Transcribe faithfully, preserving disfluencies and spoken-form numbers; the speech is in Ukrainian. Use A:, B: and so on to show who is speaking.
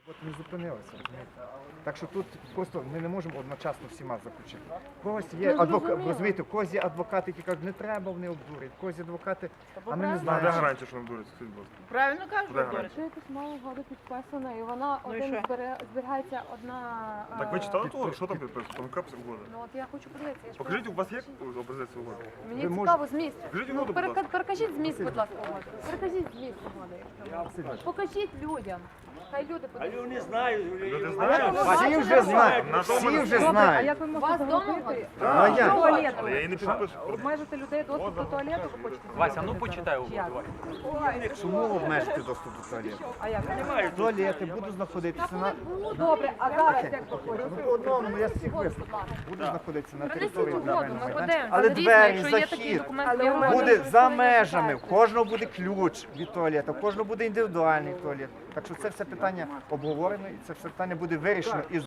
A: От не зупинилися, розумієте? Так що тут просто ми не можемо одночасно всіма заключити. В когось є
B: Ну,
A: адвокат,
B: зрозуміло.
A: розумієте, в когось є адвокати, які кажуть, не треба, вони обдурять. В когось є адвокати, а ми не
B: правильно.
C: А де
A: знаємо.
C: гарантія, що не дурять? Скажіть, будь ласка.
D: Правильно кажуть,
C: Куди
D: Борис?
B: Якщо якась мала угода підписана, і вона
D: Ну і
B: один
D: що?
B: збере- зберігається одна.
C: Так ви
B: е,
C: читали того? Що там підписано? Там яка угода?
B: Ну от я хочу подивитися. я ж
C: Покажіть, у вас є
B: просто-
C: образець угоди?
B: Мені
A: Ви
B: цікаво зміст.
C: Покажіть
B: Ну,
C: угоду, будь
B: перека-
C: ласка.
B: перекажіть зміст, будь ласка, угоди. Перекажіть зміст угоди. якщо можна. Покажіть людям. Хай люди
E: А
B: подивляться.
E: люди знають.
C: Люди
B: А
C: знають?
B: як ви
A: Всі
B: бачите,
A: вже
B: що?
A: знають,
C: На
A: всі
C: тому
A: вже
C: не
B: А
A: знають.
B: як ви можете
D: Вас дома
B: зробити?
A: А як?
B: Туалет.
C: Але я її не підпишу.
B: Обмежити людей доступ до туалету, ви хочете?
F: Вася, ну
B: зробити
F: почитай
B: зараз?
F: угоду,
B: Чи
F: давай.
B: як?
A: Чому обмежити доступ до туалету?
B: А як?
A: Туалети будуть знаходитися на...
B: Добре, а зараз як ви хочете?
A: Ну, по одному, я всіх вислухав. Будуть знаходитися на
D: Принесіть
A: території
D: угоду,
A: державного
D: ми
A: майданчика.
D: подивимося.
A: Але
D: Дійсно,
A: двері,
D: якщо є такий
A: захід
D: документ,
B: Але
D: є
B: у
D: угода.
B: мене-
A: буде за межами, в кожного буде ключ від туалету, в кожного буде індивідуальний туалет. Так що це все питання обговорено і це все питання буде вирішено із